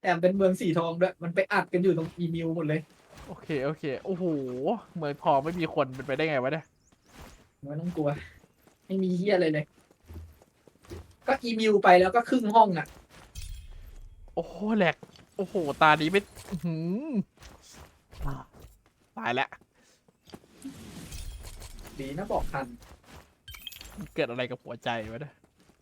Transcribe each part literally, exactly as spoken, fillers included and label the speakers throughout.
Speaker 1: แต่เป็นเมืองสีทองด้วยมันไปอัดกันอยู่ตรงอีมิวหมดเลย
Speaker 2: โอเคโอเคโอ้โหเมืองทองไม่มีคนเป็นไปได้ไงวะเนี่ย
Speaker 1: ไม่ต้องกลัวไม่มีเฮียอะไรเลย ก็อีมิวไปแล้วก็ครึ่งห้องอ่ะ
Speaker 2: โอ้โหแหลกโอ้โหตานี้ไม่หืมตายแล้ว
Speaker 1: ดีนะบอกทัน
Speaker 2: เกิดอะไรกับหัวใจวะเนี่ย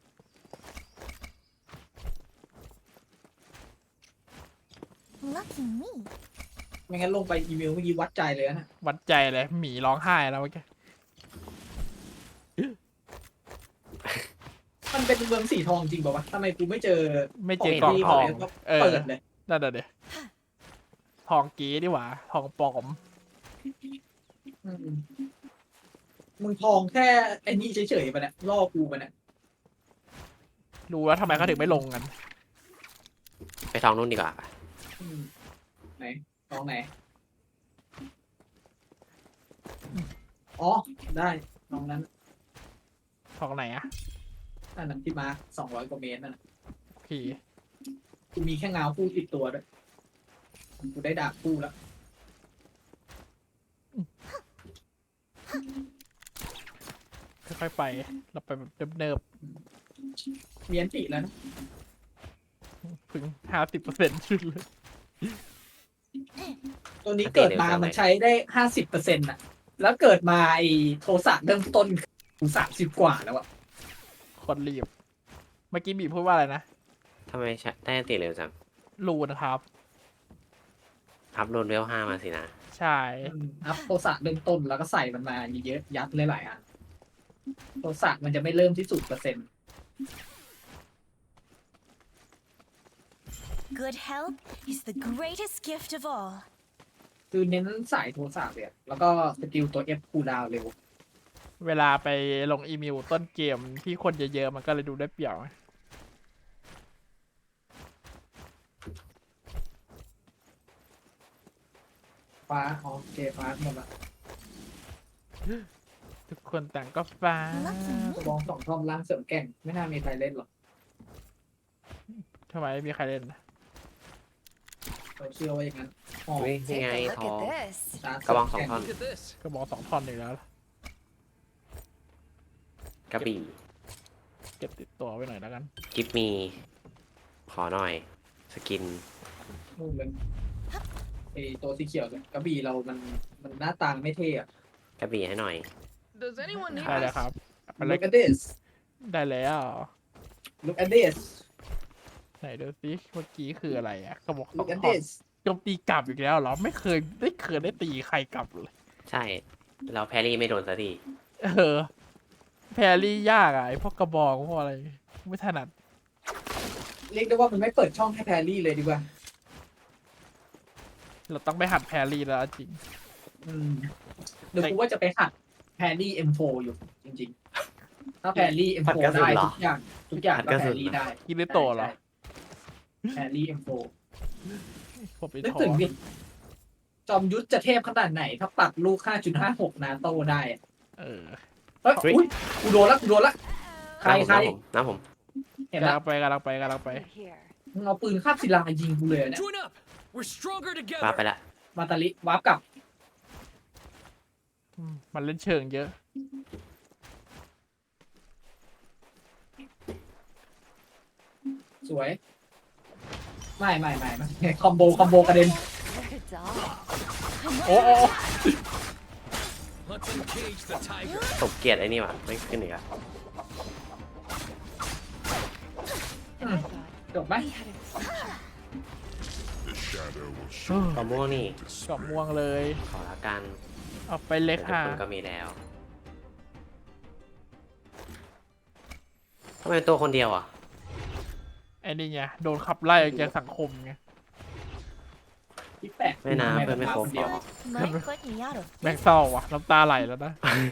Speaker 3: Lucky me.
Speaker 1: ไม่งั้นลงไปอีมิวเมื่อกี้วัดใจเลยนะ
Speaker 2: วัดใจเลยหมีร้องไห้แล้วเมื่อกี้
Speaker 1: มันเป็นเมืองสีทองจริงป่าวะทำไมกูไม่เจอ
Speaker 2: ไม่เจอกล่องทอง
Speaker 1: ก็
Speaker 2: เออ
Speaker 1: เปิดเลย
Speaker 2: นั่นน่ะเดี๋ยทองกีดีหว่าทองปลอม
Speaker 1: อืมมึงทองแค่ไอ้นี่เฉยๆปะเนี่ยล่อกูปะเนี่ย
Speaker 2: รู้แล้วทำไมเขาถึงไม่ลงกัน
Speaker 4: ไปทองนู่นดีกว่าปะ
Speaker 1: อืมไหนทองไหนอ๋อได้ทองนั้น
Speaker 2: ทองไหนอะ
Speaker 1: อันนั้นที่มาสองร้อยกว่าเมตรนั่นน่ะ
Speaker 2: โอเค
Speaker 1: กูมีแค่เงาคู่ติดตัวด้วยกูได้ดาบคู่แล้ว
Speaker 2: ค่อยๆไปเราไปแบบเนิบ
Speaker 1: มีอันติแล้วนะ
Speaker 2: ๆถึงห้าสิบเปอร์เซ็นต์ชุดเลย
Speaker 1: ตัวนี้เกิดมามันใช้ได้ห้าสิบเปอร์เซ็นต์่ะ แล้วเกิดมาไอ้โทสะเริ่มต้นกูสามสิบกว่าแล้วอะ
Speaker 2: คนรีบ เมื่อกี้บีพูดว่าอะไรนะ
Speaker 4: ทำไมใช้ได้อันติเร็วจัง
Speaker 2: รูนะครับ
Speaker 4: อัพโหลดเวลห้ามาสินะ
Speaker 2: ใช่
Speaker 1: อืมอัพโทสะเริ่มต้นแล้วก็ใส่มันมาเยอะๆยัดเลยหลายอันโทสะมันจะไม่เริ่มที่ศูนย์เปอร์เซ็นต์
Speaker 3: Good health is the greatest gift of all.
Speaker 1: คือเน้นสายโทสะเลยอะแล้วก็สกิลตัว F คูลดาวน์เร็ว
Speaker 2: เวลาไปลงอีเมลต้นเกมที่คนเยอะๆมันก็เลยดูได้เปรียบ
Speaker 1: ฟ้าอ๋อโอเคฟ้าหมดละ
Speaker 2: ทุกคนต่างก็ฟ้า
Speaker 1: กระบองสองท่อมล่างเสริมแกร่งไม่น่ามีใครเล่นหรอก
Speaker 2: ทำไมไม่มีใครเล่นนะ
Speaker 1: เราเชื่อว่าอย่างนั้นอ๋อ
Speaker 4: เฮ้ยนี่ไง
Speaker 3: Take a
Speaker 4: ท
Speaker 3: look
Speaker 4: อง
Speaker 3: at this.
Speaker 1: ตาก
Speaker 4: ระบองสองท่อน
Speaker 5: Look at this.
Speaker 2: ก็บอกสองท่อนอีกแล้ว
Speaker 4: กระบี่
Speaker 2: เก็บติดตัวไว้หน่อยแล้วกัน
Speaker 4: กิฟมี ขอหน่อย สกิน
Speaker 1: นู่นเลยไอตัวสีเขียวเนี่ยกระบี่เรามันมันหน้าตาไม่เท่อะ
Speaker 4: กระบี่ให้หน่อย
Speaker 5: Does anyone need
Speaker 2: ได้แล้ว
Speaker 5: this?
Speaker 2: ครับไปเลย
Speaker 1: Look at this
Speaker 2: ได้แล้ว
Speaker 1: Look at this
Speaker 2: ไหนดูสิเมื่อกี้คืออะไรอ่ะก็บอกสอง
Speaker 1: Look at
Speaker 2: ท่อน
Speaker 1: this
Speaker 2: โจมตีกลับอีกแล้วเหรอ ไม่เคยไม่เคยได้ตีใครกลับเลย
Speaker 4: ใช่ เราแพรรี่ไม่โดนสักที
Speaker 2: เออ แพรรี่ยากอ่ะไอพวกกระบองพวกอะไร ไม่ถนัด
Speaker 1: เรียกได้ว่ามันไม่เปิดช่องให้แพรรี่เลยดีกว่า
Speaker 2: เราต้องไปหัดแพรรี่แล้วจริง
Speaker 1: อืมเดี๋ยวกูว่าจะไปหัดแพรรี่ เอ็ม โฟร์ อยู่จริงๆ ถ้าแพรรี่ เอ็ม โฟร์ ได้ทุกอย่างทุกอย่างก็แพรรี่ได้
Speaker 2: กิริโตะเหรอ
Speaker 1: แพรรี่ เอ็ม โฟร์
Speaker 2: ผมไป
Speaker 1: นึก
Speaker 2: ถอ
Speaker 1: ถึง
Speaker 2: น
Speaker 1: ดิจอมยุทธจะเทพขนาดไหน ถ้าปัดลูก ห้าจุดห้าหก นาโต้ได้อะ
Speaker 2: เออ
Speaker 1: เฮ้ยอุ๊ยกูโดนละกูโดนละใคร
Speaker 4: น้ำผม
Speaker 1: ใคร
Speaker 4: น้ำผม
Speaker 1: เห็น
Speaker 2: กำ
Speaker 1: ละ
Speaker 2: ลังไปกำลังไปกำลังไป
Speaker 3: Here.
Speaker 1: มึงเอาปืนคาบศิลายิงกูเลยเนี่ย
Speaker 5: Join up. We're stronger
Speaker 4: น้ำผมมาไป
Speaker 5: together.
Speaker 4: ละ
Speaker 1: มาตาลิวาร์ปกลับ
Speaker 2: อืมมันเล่นเชิงเยอะ
Speaker 1: สวย ไม่ไม่ไม่ไม่คอมโบคอมโบกระเด็น
Speaker 3: What a dog.
Speaker 2: โอ้โอ้
Speaker 5: Let's engage the tiger.
Speaker 4: ตบเกียรติไอ้นี่ว่ะไม่ขึ้นอีกอะ
Speaker 3: And I thought
Speaker 1: จบไหม
Speaker 3: we had a
Speaker 4: กระม่วงนี่
Speaker 2: กรอบม่วงเลย
Speaker 4: ขอละกัน
Speaker 2: เอาไปเล็ก
Speaker 4: แต่ทุก
Speaker 2: ค่ะ
Speaker 4: คนก็มีแล้วทำไมตัวคนเดียวอ่ะ
Speaker 2: ไอ้นี่ไงโดนขับไล่ออกจากสังคมไง
Speaker 1: ที่แปลก
Speaker 4: ไม่นะเพื่อนไม่ครบ
Speaker 1: เดียว
Speaker 3: what might put me out of
Speaker 2: แม่ง
Speaker 3: business.
Speaker 2: เศร้าว่ะน้ำตาไหลแล้วนะ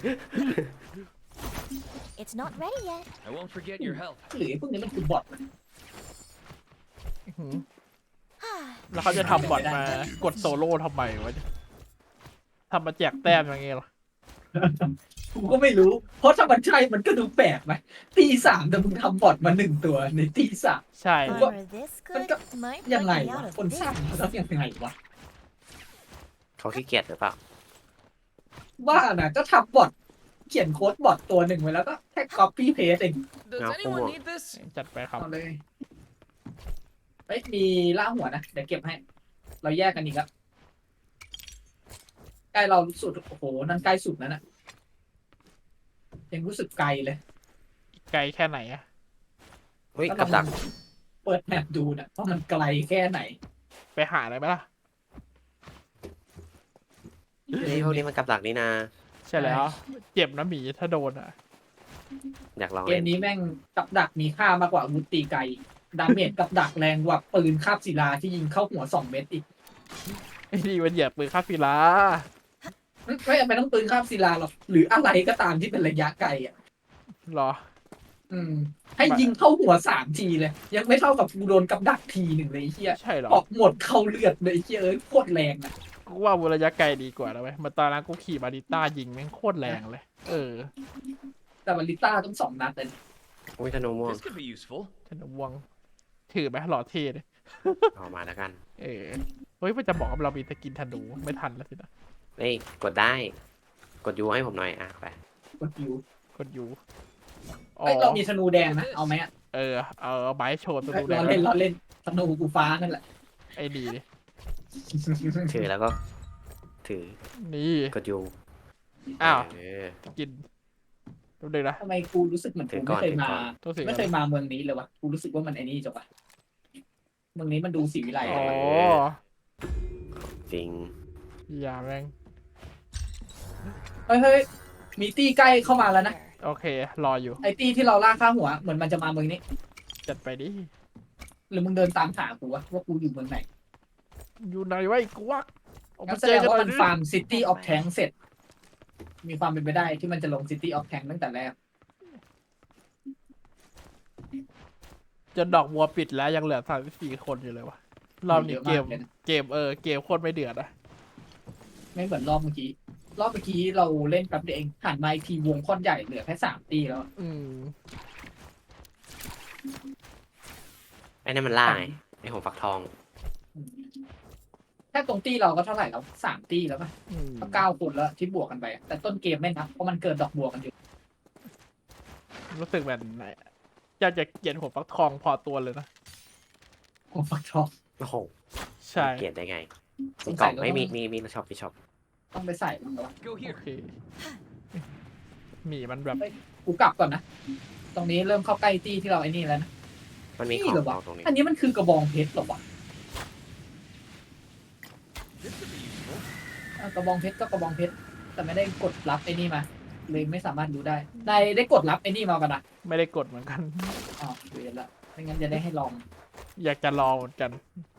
Speaker 3: It's not ready yet.
Speaker 5: I won't forget your help.
Speaker 1: หรือพวกนี้มันคือบอทนะ
Speaker 2: อื้อหือแล้วเขาจะทำบอทมากดโซโล่ทำไมวะเนี่ยทำมาแจกแต้มอย่างเงี้ยเหรอ
Speaker 1: กูก็ไม่รู้ เพราะถ้ามันใช่มันก็ดูแปลกไหมตีสามแต่มึงทำบอทมาหนึ่งตัวในตีสาม
Speaker 2: ใช่
Speaker 3: Armor this
Speaker 1: มัน
Speaker 3: good
Speaker 1: ก็
Speaker 3: might
Speaker 1: ยัง
Speaker 3: put
Speaker 1: ไง
Speaker 3: me
Speaker 1: วะ
Speaker 3: out of
Speaker 1: คนสร้าง
Speaker 3: business.
Speaker 1: แล้วยังไงวะ
Speaker 4: เขาขี้เกียจหรือเปล่า
Speaker 1: ว่านะก็ทำบอทเขียนโค้ดบอทตัวหนึ่งไว้แล้วก็แค่ copy paste เอง
Speaker 5: Does
Speaker 4: Now,
Speaker 5: anyone
Speaker 4: come on.
Speaker 5: need this?
Speaker 2: จัดไปครับ
Speaker 1: เอาเลยเฮ้ยมีล่าหัวนะเดี๋ยวเก็บให้ เราแยกกันอีกแล้วใกล้เราสุดโอ้โหนั่นใกล้สุดนั่นน่ะยังรู้สึกไกลเลย
Speaker 2: ไกลแค่ไหนอะ
Speaker 4: เฮ้ยกับดัก
Speaker 1: เปิดแมปดูนะว่ามันไกลแค่ไหน
Speaker 2: ไปหาอะไรไหมล่ะ
Speaker 4: เฮ้ยพวกนี้มันกับดักนี่นา
Speaker 2: ใช่แล้ว เจ็บนะหมีถ้าโดนอะ
Speaker 4: อยากลอง
Speaker 1: เก
Speaker 4: เล่
Speaker 1: ม
Speaker 4: น
Speaker 1: นี้แม่งกับดักมีค่ามากกว่าอาวุธตีไกลดาเมจกับดักแรงกว่าปืนคาบศิลาที่ยิงเข้าหัวสองเม็ดอีก
Speaker 2: ไอ้นี่มันเหยียบปืนคาฟิลา
Speaker 1: ไม่จำเป็นต้องปืนคาบศิลาหรอกหรืออะไรก็ตามที่เป็นระยะไกลอ่ะ
Speaker 2: หรอ
Speaker 1: อืม ให้ยิงเข้าหัวสามทีเลย ยังไม่เท่ากับกูโดนกับดักทีหนึ่งเลยไอ้เฮีย
Speaker 2: ใช่หรอ
Speaker 1: ออกหมดเข้าเลือดเลยไอ้เฮียเอ้ยโคตรแรงนะ
Speaker 2: กูว่าวุระยะไกลดีกว่านะเว้ยมาตอนนั้นกูขี่มาริต้ายิงแม่งโคตรแรงเลย เออ
Speaker 1: แต่วาลิต้าต้องสองนัดเลย
Speaker 4: อุ้ยธนูม่วง
Speaker 5: This could be useful.
Speaker 2: ธนวงถือไหมหล่อเท่เลย
Speaker 4: เอามาแล้วกัน
Speaker 2: เออ เฮ้ยมันจะบอกว่าเรามีสกินธนูไม่ทันแล้วสินะ
Speaker 4: เฮ้ยกดได้ กดยูให้ผมหน่อยอ่ะไป
Speaker 1: กดยู
Speaker 2: กดยูอ๋อ
Speaker 1: เอ้ยเรามีธนูแดงนะเอาไหมอะ
Speaker 2: เออ เอาเอาไม้โชว์ธ
Speaker 1: เอ้
Speaker 2: นู
Speaker 1: ย
Speaker 2: แด
Speaker 1: เรา
Speaker 2: ง
Speaker 1: เล่นเราเล่นธนูกูฟ้านั่นแหละ
Speaker 2: ไอ้ดีดิ
Speaker 4: ถือแล้วก็ ถือ
Speaker 2: นี่
Speaker 4: กดยู
Speaker 2: อ้าว
Speaker 4: เออ
Speaker 2: กินดูดินะ
Speaker 1: ทำไมกูรู้สึกเหมือน
Speaker 4: ถึ
Speaker 1: กู
Speaker 4: งก่
Speaker 1: ไม่
Speaker 4: อน
Speaker 1: เคย
Speaker 4: ถึง
Speaker 1: มา
Speaker 4: ก่อน
Speaker 2: ตัวสี
Speaker 1: ไม่เคยมาเมืองนี้เลยวะกูรู้สึกว่ามันไอ้นี่จังวะเมืองนี้มันดูสีวิไล
Speaker 2: อ๋อ
Speaker 4: จริง
Speaker 2: อย่าแม่ง
Speaker 1: เฮ้ยเฮ้ยมีตี้ใกล้เข้ามาแล้วนะ
Speaker 2: โอเค รออยู่
Speaker 1: ไอ้ตี้ที่เราล่าข้าหัว เหมือนมันจะมาเมืองนี้
Speaker 2: จัดไปดิ
Speaker 1: หรือมึงเดินตามหากูวะว่ากูอยู่เมืองไหน
Speaker 2: อยู่ไหนวะไอ้กวักออก
Speaker 1: งั้
Speaker 2: มาน
Speaker 1: แส
Speaker 2: เจ
Speaker 1: ด
Speaker 2: อง กัน
Speaker 1: ว่า
Speaker 2: หน่
Speaker 1: มั
Speaker 2: อย
Speaker 1: น
Speaker 2: ดิ
Speaker 1: ฟาร์มซิตี้ออฟแทงเสร็จ มีความเป็นไปได้ที่มันจะลงซิตี้ออฟแทงตั้งแต่แรก
Speaker 2: จนดอกบัวปิดแล้วยังเหลือสามสิบสี่คนอยู่เลยวะรอบนี้เกม เกมเออ เกมโคตรไม่เดือดอะ
Speaker 1: ไม่เหมือนรอบเมื่อกี้ รอบเมื่อกี้เราเล่นแป๊บเดียวเองหันมาอีกทีวงค่อนใหญ่เหลือแค่สามตีแล้ว
Speaker 2: อืม
Speaker 4: ไอ้นั่นมันล่าไงไอ้หัวฟักทอง
Speaker 1: แค่ตรงตีเราก็เท่าไหร่แล้วสามตีแล้วป่ะ
Speaker 2: อืม
Speaker 1: ก็เก้าคนแล้วที่บวกกันไปอะแต่ต้นเกมไม่นับเพราะมันเกินดอกบัวกันอยู่
Speaker 2: รู้สึกแบบไหนอยากจะเกลียดหัวฟักทองพอตัวเลยนะ
Speaker 1: โอ้ฟักทอง
Speaker 4: โอ้โห
Speaker 2: ใช่
Speaker 4: เกลียดได้ไง
Speaker 1: ส
Speaker 4: มี
Speaker 1: ง
Speaker 4: กล่
Speaker 1: สั
Speaker 4: อย ง
Speaker 1: เรา
Speaker 4: ไม่
Speaker 1: ต้อง
Speaker 4: มีมีมีช็อปมีช็อป
Speaker 1: ต้องไปใส่มันแล้ววะ
Speaker 5: Go
Speaker 2: โอ
Speaker 5: here.
Speaker 2: เคหมีมันแบบ
Speaker 1: กูกลับก่อนนะ ตรงนี้เริ่มเข้าใกล้ตีที่เราไอ้นี่แล้วนะ
Speaker 4: มันมีข
Speaker 1: นี่
Speaker 4: อง
Speaker 1: เหรอวะ
Speaker 4: เอาตรงนี้
Speaker 1: อันนี้มันคือกระบองเพชรเหรอวะ
Speaker 5: This could be useful.
Speaker 1: อ่ะกระบองเพชรก็กระบองเพชรแต่ไม่ได้กดรับไอ้นี่มาเลยไม่สามารถรู้ได้นายได้กดรับไอ้นี่มาปะนะ
Speaker 2: ไม่ได้กดเหมือนกัน
Speaker 1: อ๋อเรียนละไม่งั้นจะได้ให้ลอง
Speaker 2: อยากจะรอเหมือนกัน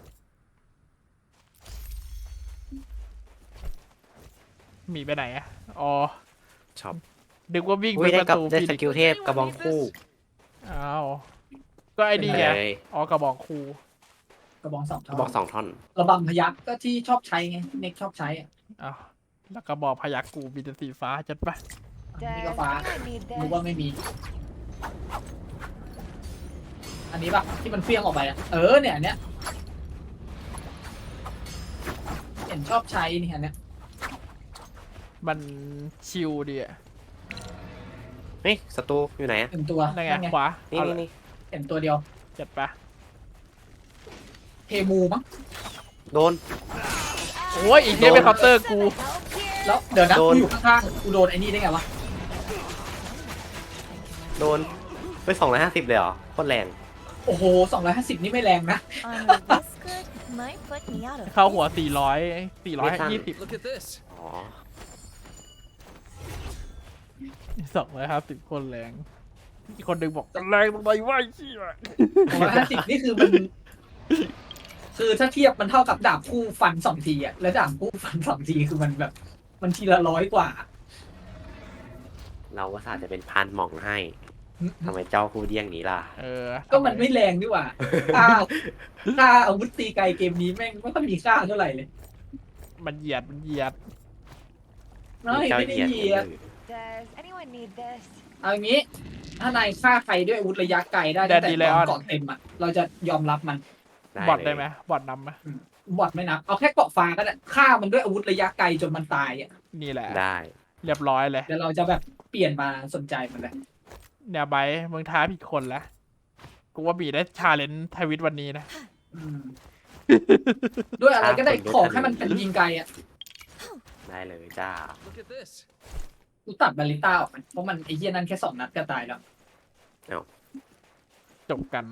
Speaker 2: หมีไปไหนอะอ๋อ
Speaker 4: ช็อป
Speaker 2: ดึกว่าวิ่ง
Speaker 4: อุ้
Speaker 2: ไป
Speaker 4: ยได้
Speaker 2: ประ
Speaker 4: กับ
Speaker 2: ตู
Speaker 4: ได้
Speaker 2: ฟิ
Speaker 4: ส
Speaker 2: นิก
Speaker 4: กิลเทพกระบองคู่
Speaker 2: อ้าว ก็ไอ้นี่ไง
Speaker 4: เลย
Speaker 2: อ๋อกระบอกครู
Speaker 1: กระบองสอง
Speaker 4: ก
Speaker 1: ท่
Speaker 4: ระบอก
Speaker 1: อน
Speaker 4: สองท่อน
Speaker 1: ระบำพยักก็ที่ชอบใช้ไงเน็กชอบใช้อะ
Speaker 2: อ้าว แล้วกระบอกพยักกูมีแต่สีฟ้าจัดปะ
Speaker 1: นี่ก็ฟ้า
Speaker 3: I need
Speaker 1: รู้
Speaker 3: this.
Speaker 1: ว่าไม่มี อันนี้ปะที่มันเฟี้ยงออกไปอะเออเนี่ยอันเนี้ยเห็นชอบใช้นี่อันเนี้ย
Speaker 2: มันชิลดีอะ
Speaker 4: เฮ้ยศัตรูอยู่ไหนอะ
Speaker 1: หนึ่งตัว
Speaker 2: นั่นไง
Speaker 1: นั่นไง
Speaker 2: ขวา
Speaker 4: นี่
Speaker 2: เอา
Speaker 4: นี่
Speaker 2: ละ
Speaker 4: นี่
Speaker 1: เห็นตัวเดียว
Speaker 2: จัดปะ
Speaker 1: เทมูมั้ง
Speaker 4: โดน
Speaker 2: โอ้ยอีกเนี้ยเป็นเคาน์เตอร์กู
Speaker 3: Help here.
Speaker 1: แล้วเดี๋ยวนะ
Speaker 4: โดน
Speaker 1: กูอยู่ข้างๆกูโดนไอ้นี่ได้ไงวะ
Speaker 4: โดนไปสองร้อยห้าสิบเลยเหรอโคตรแรง
Speaker 1: โอ้โหสองร้อยห้าสิบนี่ไม่แรงนะ
Speaker 3: Armor this good might put me out of
Speaker 2: เข้าหัวสี่ร้อยสี่ร้อยยี่สิบ
Speaker 5: Look at this.
Speaker 4: อ๋อ
Speaker 2: สองร้อยห้าสิบคนแรง อีกคนหนึ่งบอกแรงตรงไหนวะไอ้เหี้ย
Speaker 1: สองร้อยห้าสิบนี่คือมัน คือถ้าเทียบมันเท่ากับดาบคู่ฟันสองทีอะแล้วดาบคู่ฟันสองทีคือมันแบบ มันทีละร้อยกว่า
Speaker 4: เราว่าสาจะเป็นพานหม่องให้ทำไมเจ้าคู่เดี้ยงนี้ล่ะ
Speaker 2: เออ
Speaker 1: ก็มันไม่แรงดีกว่าค่าค่าอาวุธตีไกลเกมนี้แม่งไม่ค่อยมีค่าเท่าไหร่เลย
Speaker 2: มันเหยียดมันเหยียด
Speaker 1: ไม่
Speaker 4: เจ้า
Speaker 1: ไม่ได้
Speaker 4: เหยียด
Speaker 1: เหยียด
Speaker 4: มือ
Speaker 3: Does anyone need this?
Speaker 1: เอาอย่างนี้ ถ้านายฆ่าใครด้วยอาวุธระยะไกลได้
Speaker 2: แด
Speaker 1: ตั้
Speaker 2: ด
Speaker 1: งแต่
Speaker 2: ดี
Speaker 1: ต
Speaker 2: ไล
Speaker 1: อ
Speaker 2: ออน น
Speaker 1: เกาะเต็มอ่ะเราจะยอมรับมัน
Speaker 2: บอท
Speaker 4: เลย
Speaker 2: ได้ไหมบอทนำไหม
Speaker 1: บอทไม่นับเอาแค่เกาะฟ้าก็ได้ฆ่ามันด้วยอาวุธระยะไกลจนมันตายอ่ะ
Speaker 2: นี่แหละ
Speaker 4: ได้
Speaker 2: เรียบร้อยเลย
Speaker 1: เดี๋ยวเราจะแบบเปลี่ยนมาสนใจมันเลย
Speaker 2: เนี่ยไบร์ทมึงท้าผิดคนแล้วกูว่าบีได้ชาเลนจ์ทวิตวันนี้นะ
Speaker 1: อืมด้วยอะไรก็ได้
Speaker 4: ฆ่าคนด้วย
Speaker 1: ขอให้มันเป็นยิงไกลอ่ะ
Speaker 4: ได้เลยจ้า
Speaker 5: Look at this.
Speaker 1: กูตัดบาลิต้าออกมันเพราะมันไอ้เหี้ยนั่นแค่สองนัดก็ตายแล้ว
Speaker 2: จบกัน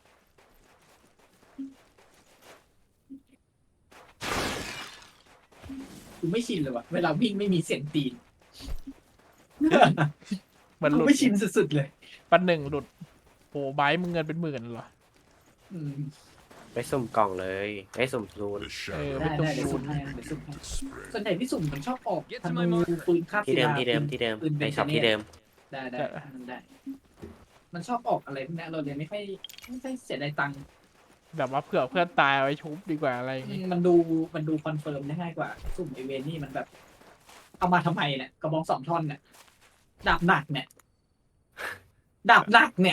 Speaker 1: กูไม่ชินเลยว่ะเวลาวิ่งไม่มีเสียงตีน
Speaker 2: เหมือนห
Speaker 1: กู
Speaker 2: ลุด
Speaker 1: ไม่ชินสุดๆเลย
Speaker 2: ปันหนึ่งหลุดโอ้ไบร์ทมึงเงินเป็นหมื่นเหรอ
Speaker 1: อืม
Speaker 4: ไปสุ่มกล่องเลยไอ้สุ่มรูน
Speaker 5: The
Speaker 2: เออ
Speaker 5: shadow
Speaker 2: ไม่
Speaker 1: ได้
Speaker 2: ต้อง
Speaker 1: ได้เดี๋ยว
Speaker 2: ดู
Speaker 1: สุ่มให้เดี๋ยวสุ่มให้ส่วนใหญ่ที่สุ่มมันชอบออกธนูปืนคาบ
Speaker 4: ที่
Speaker 1: ศิ
Speaker 4: เดิม
Speaker 1: ลา
Speaker 4: ที่เดิมที่เดิม
Speaker 1: ปืน
Speaker 4: ไป
Speaker 1: เบน
Speaker 4: ช็อป
Speaker 1: เน
Speaker 4: ที่เดิม
Speaker 1: ได้ได้มันได้ มันชอบออกอะไรพวกนี้เราเลยไม่ค่อยไม่ค่อยเสียดายตังค์
Speaker 2: แบบว่าเผื่อเพื่อนตายเอาไว้ชุบดีกว่าอะไรอย่างงี้
Speaker 1: มันดูมันดูคอนเฟิร์มได้ง่ายกว่า สุ่มไอเวนนี่มันแบบ เอามาทำไมเนี่ยกระบองสองท่อนเนี่ยดาบหนักเนี่ยดาบหนักเนี่ย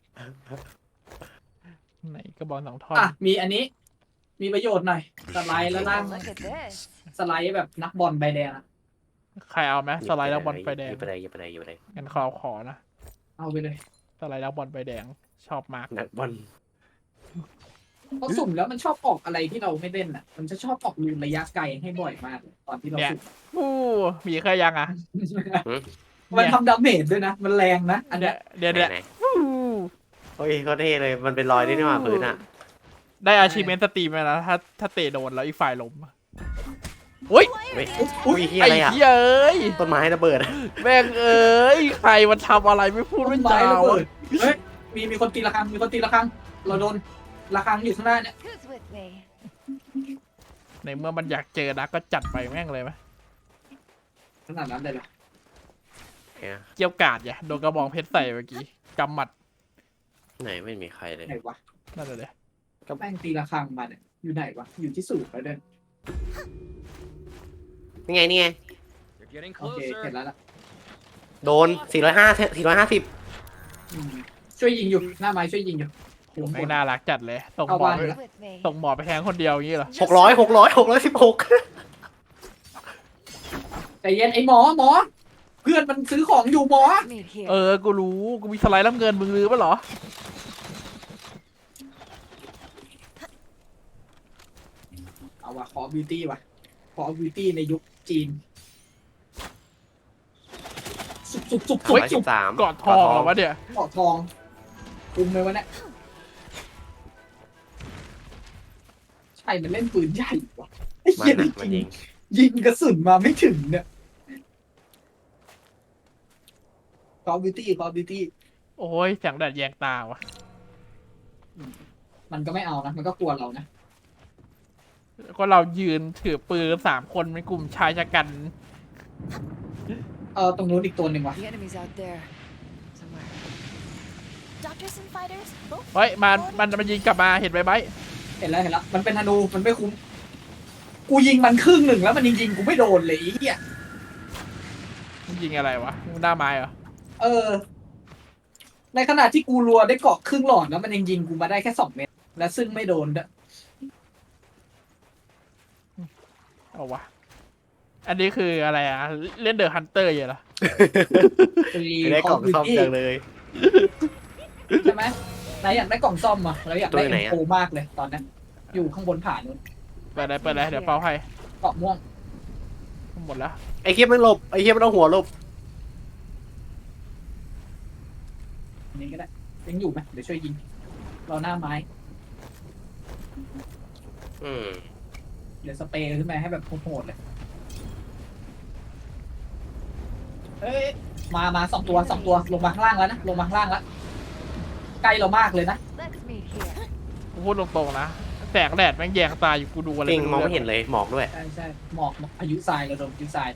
Speaker 2: ไหนกระบอกสองท่อน
Speaker 1: อ่ะมีอันนี้ มีประโยชน์หน่อยสไลด์แล้วล่าง
Speaker 3: Look at this.
Speaker 1: สไลด์แบบนักบอลใบแดงอะ
Speaker 2: ใครเอาไหมสไลด์แล้วบอลไฟแดง
Speaker 4: หยิบไปเลยหยิบไปเลยหยิบไปเลย
Speaker 2: งั้นขอขอนะ
Speaker 1: เอาไปเลย
Speaker 2: สไลด์แล้วบอลไฟแดงชอบมาก
Speaker 4: นักบอล
Speaker 1: เพราะสุ่มแล้วมันชอบออกอะไรที่เราไม่เล่นอ่ะ มันจะชอบออกลูนระยะไกลให้บ่อยมากตอนที่เราสุ่ม
Speaker 2: อู้มีเคยยังอ่ะ
Speaker 1: มันทำดาเมจด้วยนะ มันแรงนะ อัน
Speaker 2: เดี๋
Speaker 1: เนี้
Speaker 2: ย
Speaker 1: ยว
Speaker 2: เดี๋ยว
Speaker 4: ไหน
Speaker 2: เดี๋ยว
Speaker 4: ไหนโอ้ยเขาเท่เลยมันเป็นรอยได้นี่หว่าพื้นอ่ะ
Speaker 2: ได้อาชีพเมนสตรีมแล้วนะถ้าถ้าเตะโดนแล้วอีกฝ่ายล้มอุ้ย
Speaker 4: เฮ้ยอุ้ยเฮีย
Speaker 2: ไอ้
Speaker 4: อะไรอ่ะ
Speaker 2: เหี้ยเอ้ย
Speaker 4: ต้นไม้ระเบิด
Speaker 2: แม่งเอ้ยใครมันทำอะไรไม่พูด
Speaker 1: ต้
Speaker 2: ไม่
Speaker 1: นไม้
Speaker 2: จา
Speaker 1: ระเบิ
Speaker 2: วะ
Speaker 1: ดเฮ้ย มีมีคนตีระฆัง มีคนตีระฆัง เราโดนระฆังอยู่ข้างหน้าเนี่ย
Speaker 3: Who's with me?
Speaker 2: ในเมื่อมันอยากเจอนะก็จัดไปแม่งเลยไหม
Speaker 1: ขนาดนั้นเลยเหรอ
Speaker 4: เนี่ย
Speaker 2: เกี่ยวกาดอย่าโดนกระบองเพชรใส่เมื่อกี้กำหมัด
Speaker 4: ไหนไม่มีใครเลย
Speaker 1: ไหนวะ
Speaker 2: นั่นเลย
Speaker 1: ก็แม่งตีระฆังมาเนี่ย อยู่ไหนวะ อยู่ที่สูบแล้วเด้อ
Speaker 4: นี่ไงนี่ไง
Speaker 5: You're getting
Speaker 1: โอเค เห็น
Speaker 5: closer.
Speaker 1: แล้วล่ะ
Speaker 4: โดนสี่ร้อยห้าสี่ร้อยห้าสิบ
Speaker 1: อืมช่วยยิงอยู่ หน้าไม้ช่วยยิงอยู่อยู่ข้างบ
Speaker 2: ไม่
Speaker 1: น
Speaker 2: น่ารักจัดเลยส่ง
Speaker 1: เอา
Speaker 2: หมอ
Speaker 1: บ้าน
Speaker 2: ไป
Speaker 1: เลย
Speaker 3: Who's with me?
Speaker 2: ส่งหมอไปแทงคนเดียวอย่างนี้เหรอ
Speaker 4: หกร้อยหกร้อยหกร้อยสิบหก
Speaker 1: ใจเย็นไอ้หมอหมอ เพื่อนมันซื้อของอยู่หมอ
Speaker 3: Let's meet here.
Speaker 2: เออกูรู้กูมีสไลด์น้ำเงินมึงรู้ปะเหรอ
Speaker 1: เอาว่ะขอบิวตี้ว่ะขอบิวตี้ในยุคจีน สุบสุบสุบ
Speaker 4: ส
Speaker 1: สุ
Speaker 4: อบ งร้อย
Speaker 1: สุ
Speaker 4: สิ
Speaker 1: บบ
Speaker 4: สาม
Speaker 2: กอดทองเหรอวะเนี่ย
Speaker 1: เกาะทองคุมเลยวะเนี่ยใช่มันเล่นปืนใหญ่ว่ะไอ้
Speaker 4: มั
Speaker 1: เหี้ย
Speaker 4: นอ่ะมันยิง
Speaker 1: ยิงกระสุนมาไม่ถึงเนี่ยขอบิวตี้ขอบิวตี้
Speaker 2: โอ้ยแสงแดดแยงตาวะ
Speaker 1: มันก็ไม่เอานะ มันก็กลัวเรานะ
Speaker 2: ก็เรายืนถือปืนสามคนเป็นกลุ่มชายชะกัน
Speaker 1: เออตรงนู้นอีกตัวหนึ่งว่ะ
Speaker 3: The enemy's out there. Somewhere. Doctors and fighters, both
Speaker 2: เฮ้ยมันมันมันยิงกลับมาเห็นไหมไบร์ท
Speaker 1: เห็นแล้วเห็นแล้วมันเป็นธนูมันไม่คุ้มกูยิงมันครึ่งหนึ่งแล้วมันยิงยิงๆกูไม่โดนเลยไอ้เหี้ย
Speaker 2: มันยิงอะไรวะหน้าไม้เหรอ
Speaker 1: เออ ในขณะที่กูรัวได้เกาะครึ่งหลอดแล้วมันยังยิงกูมาได้แค่สองเม็ดและซึ่งไม่โดนด้วย
Speaker 2: เอาวะอันนี้คืออะไรอ่ะเล่นเดอะฮันเตอร์อยู่เหรอ
Speaker 4: ไม่ได้กล่องซ่อมจังเลย
Speaker 1: ใช่ไหมนายอยากได้กล่องซ่อมอ่ะเราอยากได้
Speaker 4: ตัวไหน
Speaker 1: เอ็ม
Speaker 4: อะ
Speaker 1: โฟมากเลยตอนนั้นอยู่ข้างบนผานู้น
Speaker 2: เปิดเลยเปิดเลยเดี๋ยวเป่าให้
Speaker 1: เกาะม่วง
Speaker 2: หมดแล้ว
Speaker 4: ไอ้เคียมันหลบไอ้เคียมันเอาหัวหลบ
Speaker 1: อันนี้ก็ได้ยังอยู่ไหมเดี๋ยวช่วยยิงเราหน้าไม้
Speaker 4: อืม
Speaker 1: เดี๋ยวสเปรย์ขึ้นมาให้แบบโหดๆเลยเฮ้ยมามาสองตัวสองตัวลงมาข้างล่างแล้วนะลงมาข้างล่างแล้วใกล้เรามากเลยนะ
Speaker 3: Let's meet here.
Speaker 2: กูพูดตรงๆนะแสงแดดแม่งแยงตาอยู่กูดูอะไร
Speaker 4: จริงมองไม่
Speaker 2: รู้
Speaker 4: เห็นเลยหมอกด้วย
Speaker 1: ใช่ใช่หมอกหมอกพายุทรายเราโดนพายุทราย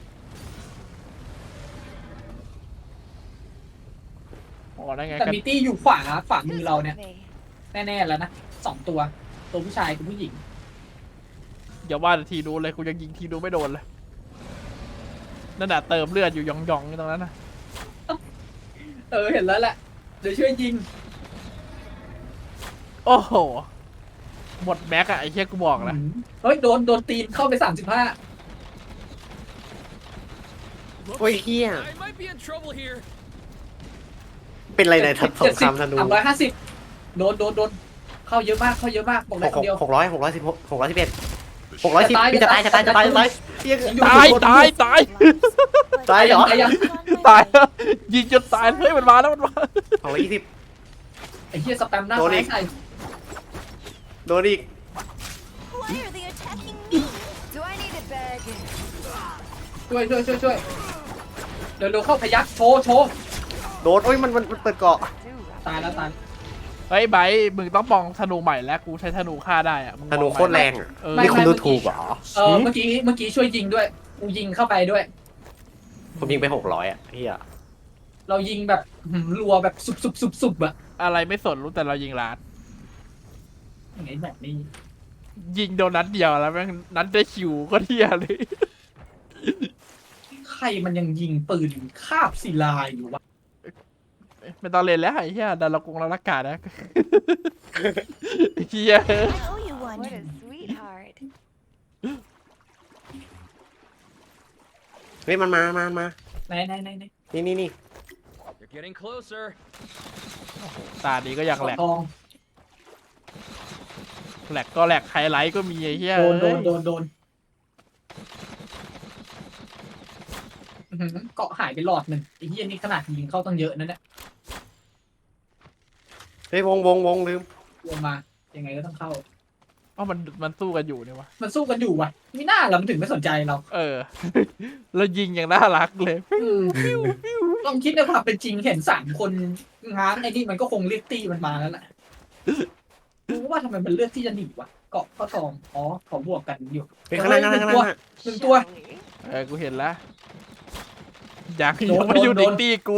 Speaker 2: อ๋อได้ไง
Speaker 1: แต่
Speaker 2: กัน
Speaker 1: มีตี้อยู่ขวาขวามือ
Speaker 3: Who's
Speaker 1: เราเนี่ย
Speaker 3: with me?
Speaker 1: แน่ๆแล้วนะสองตัวตัวผู้ชายกับผู้หญิง
Speaker 2: อย่าว่าแต่ทีดูเลยกูยังยิงทีดูไม่โดนเลยนั่นน่ะเติมเลือดอยู่หยองๆอยู่ตรงนั้นนะ
Speaker 1: เออเห็นแล้วแหละเดี๋ยวช่วยยิง
Speaker 2: โอ้โหหมดแม็กอะไอ้เหี้ยกูบอกนะ
Speaker 1: เฮ้ยโดนโดนตีนเข้าไปสามสิบห้า
Speaker 4: โอ้ยเฮีย
Speaker 5: I might be in trouble here.
Speaker 4: เป็นอะไรในทัพสงครามธนู
Speaker 1: สามร้อยห้าสิบโดนโดนโดนเข้าเยอะมากเข้าเยอะมากบอก
Speaker 4: ห
Speaker 1: ได้
Speaker 4: ก
Speaker 1: คนเดียว
Speaker 4: หกร้อยหกร้อยสิบหกหกร้อยสิบเอ็ดหกร้อยสิบพี่จะตายจะตายจะตายจะตายเฮีย
Speaker 2: ตายตายตาย
Speaker 4: ตายเหรอ
Speaker 1: ตายยัง
Speaker 2: ตายยิงจนตายเฮ้ยมันมาแล้วมันมา
Speaker 4: สองร้อยยี่สิบ
Speaker 1: ไอ้เหี้ยสแปมหน้า
Speaker 4: โดนอี
Speaker 1: ไม้
Speaker 4: ก
Speaker 1: ใส่
Speaker 4: โดนอีก
Speaker 3: Why are they attacking me? Do I need a bag?
Speaker 1: ช่วยช่วยช่วยช่วยเดี๋ยวเร็วเข้าพยักโชว์โชว์
Speaker 4: โดนโอ้ยมันมันมันเปิดเกาะ
Speaker 1: ตายแล้วตาย
Speaker 2: เฮ้ยไบร์ทมึงต้องมองธนูใหม่แล้วกูใช้ธนูฆ่าได้อะมึงม
Speaker 4: ธ
Speaker 2: อง
Speaker 4: นู
Speaker 2: ใหม่
Speaker 4: โคตรแรงอ่ะ
Speaker 2: เออ
Speaker 4: นี่คุณดูถูกเหรอ
Speaker 1: เออเมื่อกี้เมื่อกี้ช่วยยิงด้วยกูยิงเข้าไปด้วย
Speaker 4: ผมยิงไปหกร้อยอ่ะเฮีย
Speaker 1: เรายิงแบบหืมรัวแบบสุบสุบสุบสุบอะ
Speaker 2: อะไรไม่สนรู้แต่เรายิงล้าน
Speaker 1: อย่างไงแบบนี้
Speaker 2: ยิงโดนนัดเดียวแล้วแม่งนัดได้คิวก็เที่ยเลย
Speaker 1: ใครมันยังยิงปืนคาบศิลาอยู่วะ
Speaker 2: ไม่ต้องเล่นแล้วไอ้เหี้ยดันละกงละละกานะไอ้เหี้ย
Speaker 3: I owe you one. What a sweetheart.
Speaker 4: เฮ้ยมันมามามา
Speaker 1: ไหนไหนไหนไหน
Speaker 4: นี่นี่นี่
Speaker 5: You're getting closer.
Speaker 2: ตานี้ก็ยังแหลก
Speaker 1: ทอง
Speaker 2: แหลกก็แหลกไฮไลท์ก็มีไอ้เหี้ย
Speaker 1: โดนโด
Speaker 2: เอ้
Speaker 1: น
Speaker 2: ย
Speaker 1: โดนโดนอื้อหือเกาะหายไปหลอดหนึ่งไอ้เหี้ยนี่ขนาดยิงเข้าตั้งเยอะนั่นแหละ
Speaker 4: เฮ้ยวงวงวงลืม
Speaker 1: ลงมายังไงก็ต้องเข้า
Speaker 2: เอ้ามันมันสู้กันอยู่เนี่ยวะ
Speaker 1: มันสู้กันอยู่วะไม่น่าเรามันถึงไม่สนใจเรา
Speaker 2: เออ แล้วยิงอย่างน่ารักเลย
Speaker 1: ลองคิดในความเป็นจริงเห็นสามคนง้างไอ้นี่มันก็คงเรียกตีมันมาแล้วแหละรู้ว่าทำไมมันเลือกที่จะหนีวะเกาะข้อทองอ๋อขอบวกกันอยู่
Speaker 4: เฮ้ยข้างหน้าข้างหน้าข้างหน้า
Speaker 1: หนึ่งตัว
Speaker 2: เออกูเห็นแล้วยัง
Speaker 1: โดน
Speaker 2: ยังไม่อยู่
Speaker 1: โด
Speaker 2: ดิ
Speaker 1: น
Speaker 2: ตี้กู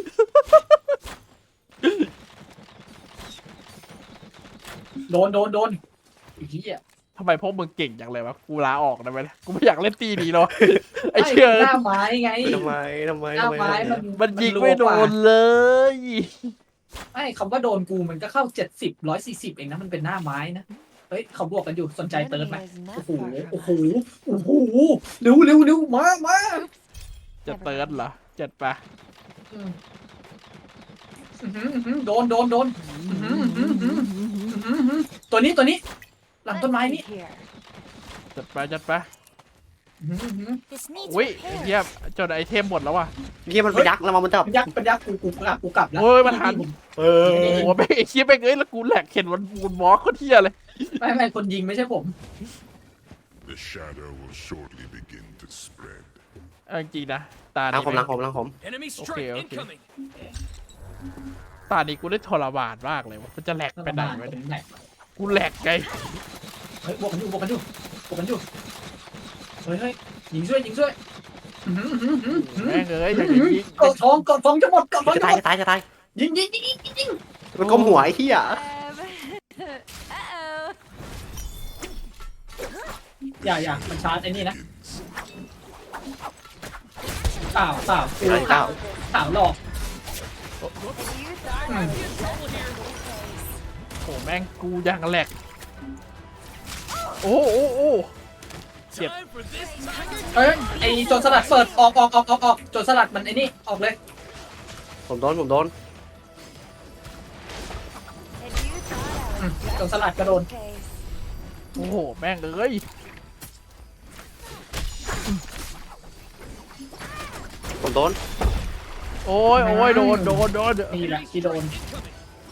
Speaker 1: โดนโดนโดนไอ้เหี้ย
Speaker 2: ทำไมพวกมึงเก่งจังเลยวะกูลาออกได้ไหมล่ะกูไม่อยากเล่นตีนี้หรอกไอ้เชื่อ
Speaker 1: หน้าไม้ไง
Speaker 4: ทำไมทำไม
Speaker 1: หน้า
Speaker 4: ทำไม
Speaker 1: ไม้มัน
Speaker 2: มันยิง
Speaker 1: รัว
Speaker 2: ไม่โด
Speaker 1: กว่าน
Speaker 2: เลย
Speaker 1: ไม่คำว่าโดนกูมันก็เข้าเจ็ดสิบร้อยสี่สิบเองนะมันเป็นหน้าไม้นะเฮ้ยเขาบวกกันอยู่สนใจเติร์ดไหม
Speaker 3: Enemy is not
Speaker 1: โอ้โห
Speaker 3: far
Speaker 1: โอ้
Speaker 3: from
Speaker 1: โห
Speaker 3: us.
Speaker 1: โอ้โหเร็วเร็วเร็วมามา
Speaker 2: จะเติร์ดเหรอจัดไป
Speaker 1: อืมอื้อหืออื้อหือโดนโดนโดน อื้อหืออื้อหือ อื้อหืออื้อหือตัวนี้ตัวนี้ หลังต้นไม้นี่
Speaker 3: Here.
Speaker 2: จัดไปจัดไป
Speaker 1: อื้อหืออื้อหือ
Speaker 3: This needs
Speaker 2: อุ้ยไอ้เหี้ย
Speaker 3: repairs.
Speaker 2: จนไอเทมหมดแล้วว่ะ
Speaker 4: เฮียมันไปยักษ์แล้วมันจับ
Speaker 1: เป็นยักษ์เป็นยักษ์กูกูกลับกูกลับแล้ว
Speaker 2: เฮ้ยมันหัน
Speaker 4: เอ
Speaker 2: โอ้โหแม่งไอ้เชี่ยแม่งเอ้ยแล้วกูแหลกเห็นมันมูนวอล์กโคตรเที่ยเลย
Speaker 1: ไม่ไม่คนยิงไม่ใช่ผม
Speaker 6: The shadow will shortly begin to spread.
Speaker 2: เอาจริงๆนะตา
Speaker 4: ล้าง
Speaker 2: นี้
Speaker 4: ผมล้าง
Speaker 2: แม่ง
Speaker 4: ผมล้างผม
Speaker 5: Enemy
Speaker 2: Okay,
Speaker 5: strike
Speaker 2: okay.
Speaker 5: incoming.
Speaker 2: ตานี้กูได้ทรมานมากเลยวะมันจะแหลกไปไหนวะเนี่ย
Speaker 1: ไหน
Speaker 2: กูแหลกไง
Speaker 1: เฮ้ยบวกกันอยู่บวกกันอยู่บวกกันอยู่เฮ้ยเฮ้ยยิงช่วยยิงช่วยอื้อหืออื้อหืออื้อหือ
Speaker 2: แม่งเอ้ยอยากจะยิง
Speaker 1: กดทองกดทองจะหมดกดทอง
Speaker 4: จะ
Speaker 1: จะ
Speaker 4: ตา
Speaker 1: ห
Speaker 4: ย
Speaker 1: มด
Speaker 4: จะตายจะตาย
Speaker 1: ยิงยิงยิงยิงยิง
Speaker 4: มันก้มหัวไอ้เหี้ย
Speaker 3: Um, uh-oh.
Speaker 1: อย่าอย่ามันชาร์จไอ้นี่นะเปล่าเปล่ากู
Speaker 4: ไอ้
Speaker 1: ข่า
Speaker 4: เจ้าว
Speaker 1: ข่าวหลอก
Speaker 3: Have you thought
Speaker 1: Hmm.
Speaker 3: of your place?
Speaker 2: โอ้แม่งกูยังแหลกโอ้โอ้โอ้ Shit.
Speaker 5: Time for this tiger
Speaker 1: เอ้ยไอโจรสลัดเปิดออกออกออกออกออกโจรสลัดมันไอ้นี่ออกเลย
Speaker 4: ผมโดนผมโดน
Speaker 3: Have you thought
Speaker 1: อืม
Speaker 3: of
Speaker 1: โจรสลัดกระโดน
Speaker 3: your place?
Speaker 2: โอ้โหแม่งเอ้ย
Speaker 4: ผมโดน
Speaker 2: โอ้ยโอ้ยโดนโดนโดน
Speaker 1: นี่แหละที่โดน
Speaker 5: incoming.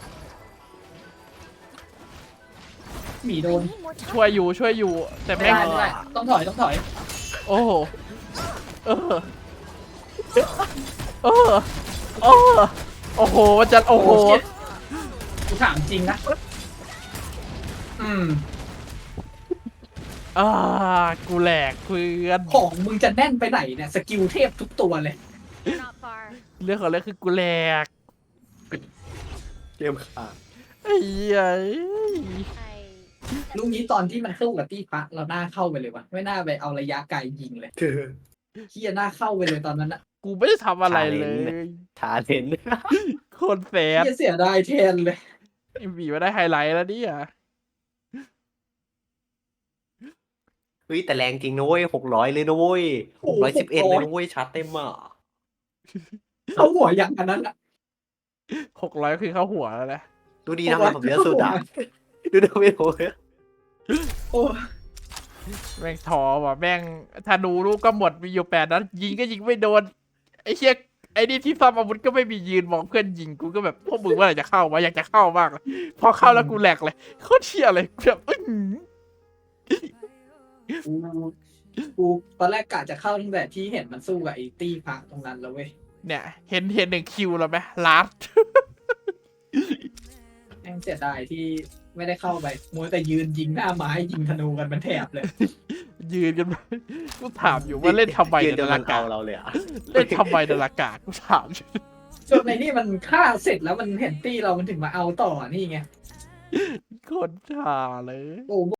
Speaker 1: หมีโด
Speaker 3: I
Speaker 1: น
Speaker 3: need more
Speaker 2: ช่วย
Speaker 3: time.
Speaker 2: อยู่ช่วยอยู่ แต่
Speaker 1: ไม่
Speaker 2: แม่ง
Speaker 1: ได้ไม่ได้ต้องถอยต้องถอย
Speaker 2: โอ้โหเออเออเออโอ้โหมันจะโอ้โห
Speaker 1: เชี่ยกูถามจริงนะอืม
Speaker 2: อ่ากูแหลกเพื่อน
Speaker 1: ของมึงจะแน่นไปไหนเนี่ยสกิลเทพทุกตัวเลย
Speaker 3: You're not far.
Speaker 2: เรื่องของเรื่องคือกูแหลก
Speaker 4: เกมขาด
Speaker 2: ไอ้เหี้ย
Speaker 3: I.
Speaker 1: ลูกนี้ตอนที่มันสู้กับตี้พระเราหน้าเข้าไปเลยวะไม่น่าไปเอาระยะไกลยิงเลย
Speaker 4: เธอ
Speaker 1: เฮียหน้าเข้าไปเลยตอนนั้นอะ
Speaker 2: กูไม่ได้ทำอะไรเลย
Speaker 4: ทาเลน
Speaker 2: โคนแสบ
Speaker 1: เฮียเสียดายแทนเลย
Speaker 2: บีมาได้ไฮไลท์แล้วเนี่ย
Speaker 4: เฮ้ยแต่แรงจริงนะเว้ยหกร้อยเลยนะเว้ยหกร้อยสิบเอ็ดเลยนะเว้ยชาร์จเต็มอ่ะ
Speaker 1: เข้าหัวอย่างอันนั้นอะ
Speaker 2: หกร้อยคือเข้าหัวแล้วแหละ
Speaker 4: ดูดีนะมันผมเยอะสุดอ่ะดูดูไม่โอ้ย
Speaker 1: โอ้
Speaker 2: แม่งท้อว่ะแม่งธนูลูกก็หมดมีอยู่แปดนัดยิงก็ยิงไม่โดนไอ้เชี่ยไอ้นี่ที่ซ่อมอาวุธก็ไม่มียืนมองเพื่อนยิงกูก็แบบพวกมึงเมื่อไหร่จะเข้าวะอยากจะเข้ามากเลยพอเข้าแล้วกูแหลกเลยโคตรเชี่ยเลยแบบอื้อหือ
Speaker 1: กูกูตอนแรกกะจะเข้าตั้งแต่ที่เห็นมันสู้กับไอ้ตี้พังตรงนั้นแล้วเว้ย
Speaker 2: เนี่ยเห็นเห็นหนึ่งคิวแล้วไหมลาส
Speaker 1: แม่งเสียดายที่ไม่ได้เข้าไปมัวแต่ยืนยิงหน้าไม้ยิงธนูกันเป็นแถบเลย
Speaker 2: ยืนกันกูถามอยู่ว่าเล่นทำไม
Speaker 4: ยื
Speaker 2: ใน
Speaker 4: นจน
Speaker 2: นา
Speaker 4: มัน
Speaker 2: ฬิกา
Speaker 4: เอาเราเลยอ่ะ
Speaker 2: เล่นทำไมในนาฬิกากูถามอยู่
Speaker 1: จนในนี่มันฆ่าเสร็จแล้วมันเห็นตี้เรามันถึงมาเอาต่อนี่ไง
Speaker 2: โคนชาเลย
Speaker 1: โอ้